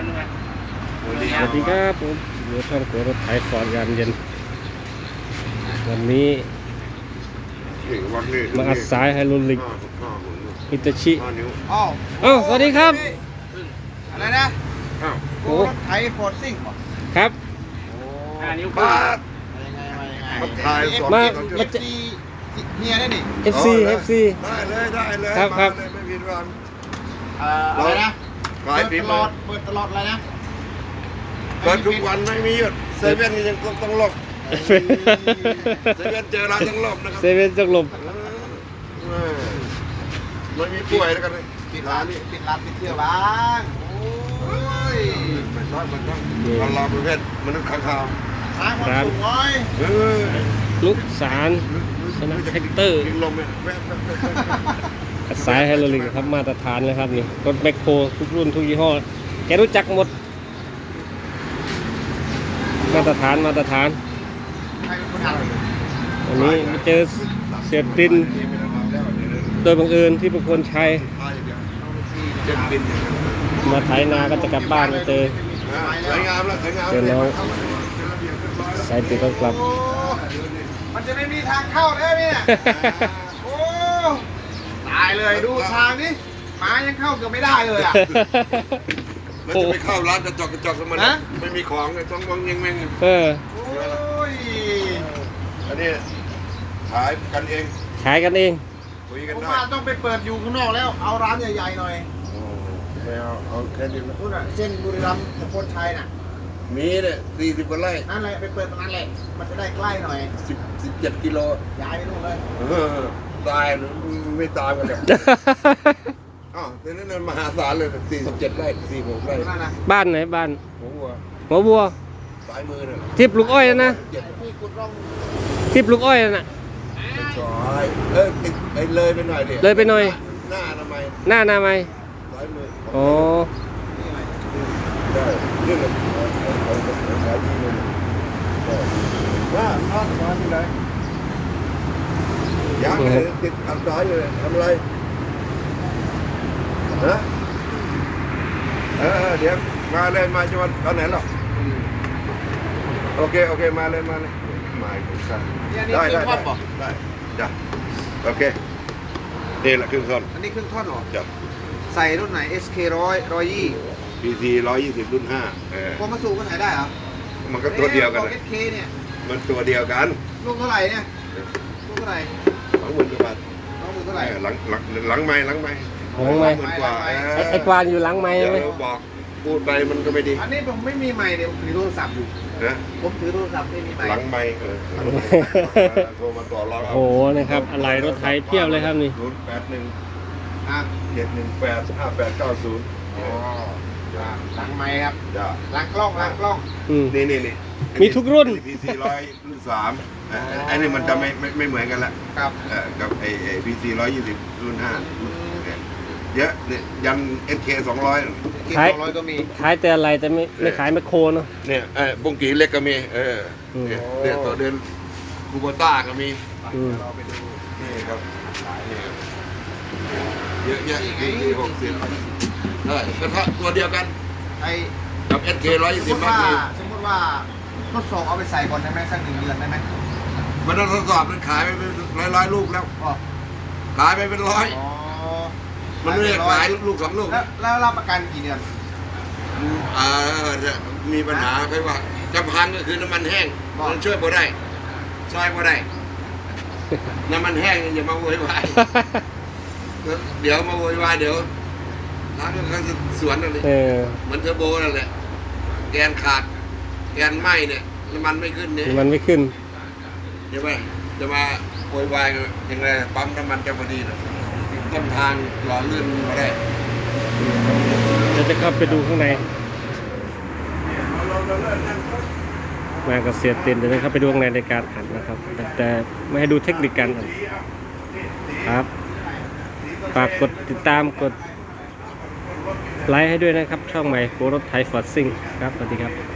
สวัสดีครับผมอยู่ช่องตัวรถไถฟอร์ดยามเย็นวันนี้มาอัดสายไฮโดรลิกฮิตาชิอ้าวสวัสดีครับอะไรนะโอ้รถไถฟอร์ดซิ่งป่ะครับนิ้วมายังไงมา FC เฮียได้นี่ FC FC ได้เลยครับครับมาเลยไม่ผิดหวังอะไรนะขายฝีตลมืออดเปิดตลอดอะไรนะเปิดทุกวันไม่มีหยุดเซเว่นยังต้องหลบเซเว่นเจอร้านต้องหลบนะคเซรับเว่นจังลมไม่มีป่วยแล้วกันเลยปิดร้านปิดเที่ยวบ้างโอ้ยมันต้องเราประเภทมนุษย์ข้างคาวทางความสูงน้อยลูกสารชนะแท็กเตอร์ยิงลมเนี่ยแว๊บอัดสายไฮโดรลิกครับมาตรฐานเลยครับนี่รถแมคโครทุกรุ่นทุกยี่ห้อแกรู้จักหมดมาตรฐานใครเป็นคนทำวันนี้มาเจอเสียตินโดยบังเอิญที่เป็นคนใช้เจ็บบินอย่างนั้นมาไถนาก็จะกลับบ้านมาเจอสวยงามแล้วสวยงามเจอน้องสายติดก็กลับโอ้มันจะไม่มีทางเข้าแล้วเนี่ยโอ้ตายเลยดูทางนี้หมายังเข้าเกือบไม่ได้เลยอ่ะแล้วจะไปเข้าร้านกระจกมันไม่มีของต้องมองยังแม่งเออโอ้ยอันนี้ขายกันเองขายกันเองคุยกันผมได้ว่าต้องไปเปิดอยู่ข้างนอกแล้วเอาร้านใหญ่ๆหน่อยไม่เอาแค่นี้นะนู่นน่ะเส้นบุรีรัมย์ตะโพนชัยน่ะมีเนี่ย40 กว่าไร่นั่นแหละไปเปิดตรงนั้นแหละมันจะได้ใกล้หน่อย 17 กิโลย้ายไปนู่นเลยตายหรือไม่ตามกันเลยอ้าวแต่นั่นมหาศาลเลย47 ไร่46 ไร่นั่นนะบ้านไหนบ้านผมว่าหัวบัวสายมือเนี่ยทิพย์ลูกอ้อยนะที่กุดร่องทิพย์ลูกอ้อยน่ะซอยไอ้เลยไปหน่อยดิเลยไปหน่อยหน้าทำไมหน้านาไหมสายมืออ๋อนี่ไงได้เรื่องเอาสายมือเลยว่าน้องมาที่ไหนยังเลยติดอันซ้ายอยู่เลยทำอะไรฮะเดี๋ยวมาเลยมาจังหวัดตอนไหนหรอโอเคมาเลยมาอีกครับได้จ้ะโอเคนี่แหละครึ่งท่อนอันนี้เครื่องทอดเหรอจ้ะใส่รุ่นไหน SK 100 PC 120 รุ่น5 พวกมาสูบก็ใส่ได้เหรอมันก็ตัวเดียวกันพวนะ SK เนี่ยมันตัวเดียวกันลูกเท่าไหร่เนี่ยลูกเท่าไหร่ 20,000 กว่าบาทน้องมือเท่าไหร่หลังไม้หลังไมค์ 20,000 กว่าไอ้กวานอยู่หลังไม้เดี๋ใช่ไหมยวบอกพูดไปมันก็ไม่ดีอันนี้ผมไม่มีไมค์เดี๋ยวผมถือโทรศัพท์อยู่นะผมถือโทรศัพท์ไม่มีไมค์หลังไม้หลังไม้โทรมาต่อรองโอ้โหนะครับอะไรรถไถเพียบเลยครับนี่ 081 อ่ะ 718 5890 อ๋อหลังไมค์ครับจ้ะหลังกล้องอืมนี่มีทุกรุ่น PC 100 รุ่น3อันนี้มันจะไม่เหมือนกันละครับกับไอ้ PC 120 รุ่น5เยอะเนี่ยยัน SK 200 เก็บขาย 200ก็มีขายแต่อะไรแต่ไม่ขายแมคโครเนาะเนี่ยบุ้งกีเล็กก็มีเนี่ยตัวเดือนคูโบต้าก็มีอืมเราไปดูนี่ครับนี่ครับเยอะแยะดี60ได้กระทะตัวเดียวกันไอ้กับ SK สมมติ 120 ว่ามีสมมติว่าทดสอบเอาไปใส่ก่อนได้ไหมสัก1 เดือนได้ไหมมันต้องทดสอบมันขายไปเป็นร้อยลูกแล้วอ๋อขายไปเป็นร้อยอ๋อมันไม่ได้ขายลูก2 ลูกแล้วรับประกันกี่เดือนจะมีปัญหาแค่ว่าจำพันก็คือน้ำมันแห้งมันช่วยพอได้ซอยพอได้ น้ำมันแห้งอย่ามาโวยวายเดี๋ยวมาโวยวายเดี๋ยวร้านเขาจะสวนอะไรเออมันเทอร์โบนั่นแหละแกนขาดแกนไหมเนี่ยน้ำมันไม่ขึ้นเนี่ยมันไม่ขึ้นใช่ไหมจะมาโวยวายยังไงปั๊มน้ำมันจะพอดีนะต้นทางหล่อลื่นมาได้เราจะเข้าไปดูข้างในมากับเสียตินเดี๋ยวจะเข้าไปดูข้างในในการอัดนะครับ แต่ไม่ให้ดูเทคนิคการอัดครับฝากกดติดตามกดไลค์ให้ด้วยนะครับ ช่องใหม่โครถไทยฟอร์ดซิ่งครับสวัสดีครับ